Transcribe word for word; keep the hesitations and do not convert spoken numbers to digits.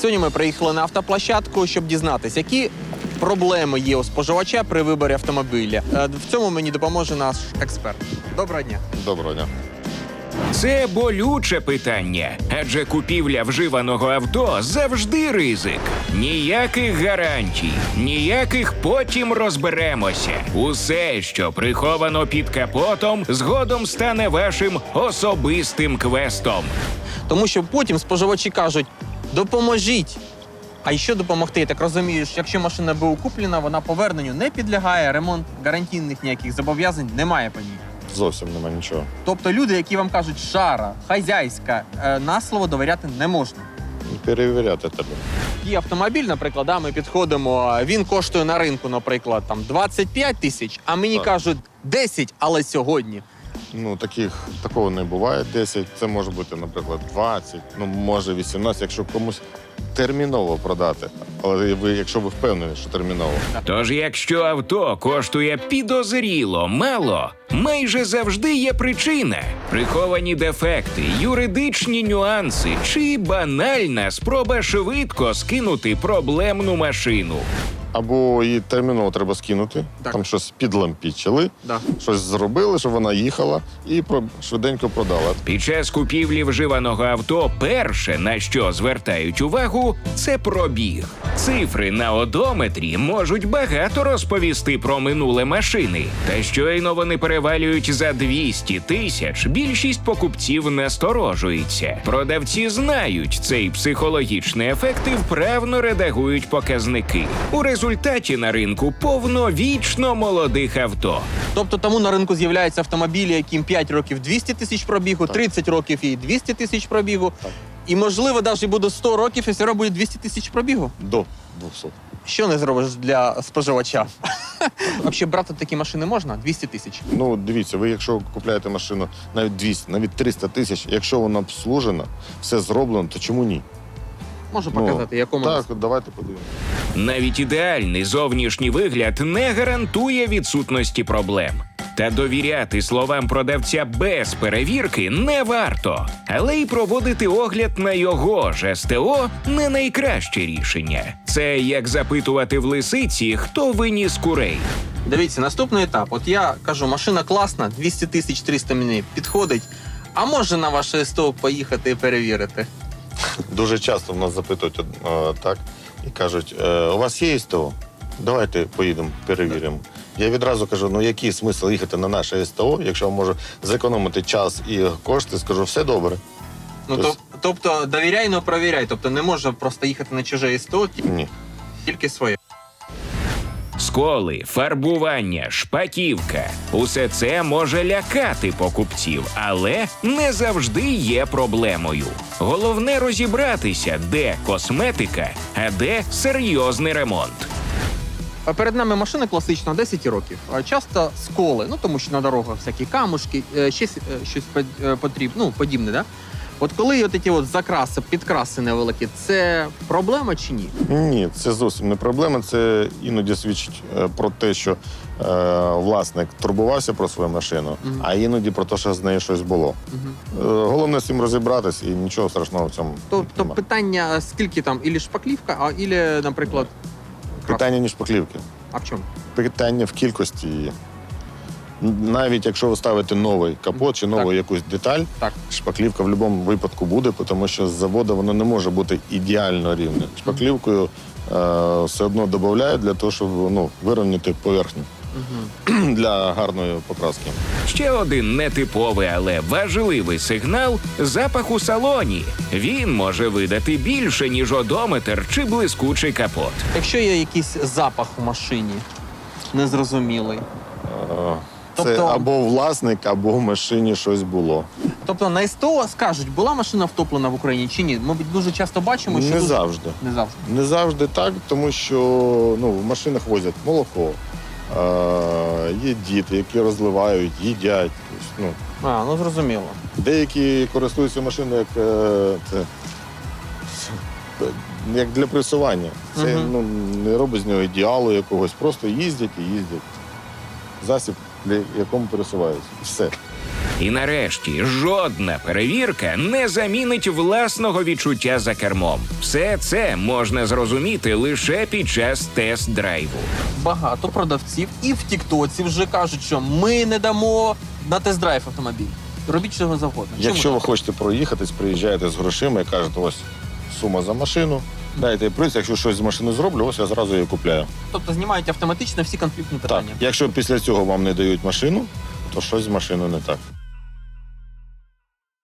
Сьогодні ми приїхали на автоплощадку, щоб дізнатися, які проблеми є у споживача при виборі автомобіля. В цьому мені допоможе наш експерт. Доброго дня. Доброго дня. Це болюче питання, адже купівля вживаного авто завжди ризик. Ніяких гарантій, ніяких потім розберемося. Усе, що приховано під капотом, згодом стане вашим особистим квестом. Тому що потім споживачі кажуть, допоможіть. А що допомогти? Я так розумію, що якщо машина БУ куплена, вона поверненню не підлягає, ремонт гарантійних ніяких зобов'язань немає по ній. Зовсім нема нічого. Тобто люди, які вам кажуть шара, хазяйська, на слово довіряти не можна. Перевіряти тебе. Є автомобіль, наприклад, да, ми підходимо, він коштує на ринку, наприклад, там двадцять п'ять тисяч, а мені Так. кажуть десять, але сьогодні. Ну, таких, такого не буває десять. Це може бути, наприклад, двадцять, ну, може вісімнадцять, якщо комусь терміново продати. Але ви, якщо ви впевнені, що терміново. Тож, якщо авто коштує підозріло мало, майже завжди є причина. Приховані дефекти, юридичні нюанси чи банальна спроба швидко скинути проблемну машину. Або її терміново треба скинути, Так. там щось підлампічили, Да. щось зробили, щоб вона їхала і про- швиденько продала. Під час купівлі вживаного авто перше, на що звертають увагу, це пробіг. Цифри на одометрі можуть багато розповісти про минуле машини. Та щойно вони перевалюють за двісті тисяч, більшість покупців насторожується. Продавці знають цей психологічний ефект і вправно редагують показники. У результаті на ринку повно вічно молодих авто. Тобто тому на ринку з'являються автомобілі, яким п'ять років двісті тисяч пробігу, тридцять років і двісті тисяч пробігу. Так. І, можливо, навіть буде сто років, і все одно буде двісті тисяч пробігу. До двохсот. Що не зробиш для споживача? Взагалі брати такі машини можна? двісті тисяч. Ну, дивіться, ви якщо купляєте машину навіть двісті, навіть триста тисяч, якщо вона обслужена, все зроблено, то чому ні? Можу показати, Ну, якому. Так, давайте подивимося. Навіть ідеальний зовнішній вигляд не гарантує відсутності проблем. Та довіряти словам продавця без перевірки не варто. Але й проводити огляд на його ж СТО – не найкраще рішення. Це як запитувати в лисиці, хто виніс курей. Дивіться, наступний етап. От я кажу, машина класна, двісті тисяч триста мені підходить. А може на ваше СТО поїхати і перевірити? Дуже часто в нас запитують е, так і кажуть, е, у вас є СТО? Давайте поїдемо, перевіримо. Я відразу кажу, ну який смисл їхати на наше СТО, якщо я можу зекономити час і кошти, скажу, все добре. Ну, Тобто- то, тобто довіряй, но провіряй. Тобто не може просто їхати на чуже СТО, ті- Ні. тільки своє. Сколи, фарбування, шпаківка – усе це може лякати покупців, але не завжди є проблемою. Головне розібратися, де косметика, а де серйозний ремонт. А перед нами машина класична, десять років. А часто сколи, ну тому що на дорогах всякі камушки, е, ще с- е, щось потрібно, ну, подібне, да? От коли от ці от закраси, підкраси невеликі, це проблема чи ні? Ні, це зовсім не проблема. Це іноді свідчить е, про те, що е, власник турбувався про свою машину, Мгм. а іноді про те, що з нею щось було. Угу. Е, головне з цим розібратись і нічого страшного в цьому Тобто немає. питання, скільки там, ілі шпаклівка, а ілі, наприклад, крас. Питання не шпаклівки. А в чому? Питання в кількості її. Навіть якщо ви ставите новий капот чи нову Так. якусь деталь, Так. шпаклівка в будь-якому випадку буде, тому що з заводу воно не може бути ідеально рівне. Шпаклівкою е, все одно додають для того, щоб ну, вирівняти поверхню Угу. для гарної покраски. Ще один нетиповий, але важливий сигнал – запах у салоні. Він може видати більше, ніж одометр чи блискучий капот. Якщо є якийсь запах у машині, незрозумілий, Е, Це Тобто- або власник, або в машині щось було. тобто на СТО скажуть, була машина втоплена в Україні чи ні? Ми дуже часто бачимо, що Не дуже- завжди. Не завжди. Не завжди так, тому що ну, в машинах возять молоко. Е, є діти, які розливають, їдять. Тобто, ну, А, ну зрозуміло. деякі користуються машиною як, е, це, як для пресування. Це Мгм. ну, не робить з нього ідеалу якогось, просто їздять і їздять. Засіб, для якому пересуваються. І все. І нарешті жодна перевірка не замінить власного відчуття за кермом. Все це можна зрозуміти лише під час тест-драйву. Багато продавців і в Тіктоці вже кажуть, що ми не дамо на тест-драйв автомобіль. Робіть чого завгодно. Чому Якщо ви так? хочете проїхатись, приїжджаєте з грошима і кажете, ось сума за машину, дайте приз, якщо щось з машини зроблю, ось я зразу її купляю. Тобто знімають автоматично всі конфліктні Так, питання. якщо після цього вам не дають машину, то щось з машиною не так.